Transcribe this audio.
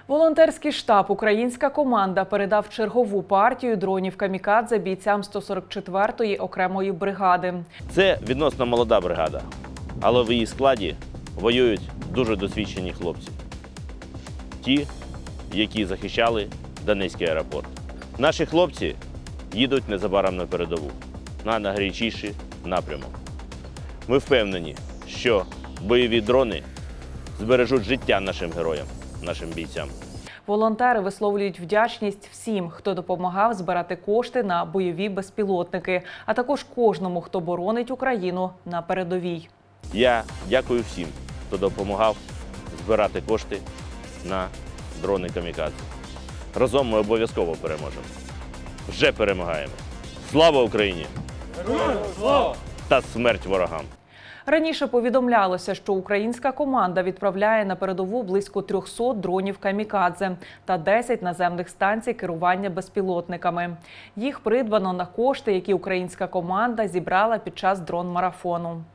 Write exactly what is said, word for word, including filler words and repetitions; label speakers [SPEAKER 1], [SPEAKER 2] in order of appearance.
[SPEAKER 1] Волонтерський штаб «Українська команда» передав чергову партію дронів «Камікадзе» бійцям сто сорок четвертої окремої бригади.
[SPEAKER 2] Це відносно молода бригада, але в її складі воюють дуже досвідчені хлопці. Ті, які захищали Донецький аеропорт. Наші хлопці їдуть незабаром на передову, на найгарячіший напрямок. Ми впевнені, що бойові дрони збережуть життя нашим героям, нашим бійцям.
[SPEAKER 1] Волонтери висловлюють вдячність всім, хто допомагав збирати кошти на бойові безпілотники, а також кожному, хто боронить Україну на передовій.
[SPEAKER 2] Я дякую всім, хто допомагав збирати кошти на дрони «Камікадзе». Разом ми обов'язково переможемо. Вже перемагаємо. Слава Україні!
[SPEAKER 3] Героям слава!
[SPEAKER 2] Та смерть ворогам!
[SPEAKER 1] Раніше повідомлялося, що українська команда відправляє на передову близько трьохсот дронів «Камікадзе» та десять наземних станцій керування безпілотниками. Їх придбано на кошти, які українська команда зібрала під час дрон-марафону.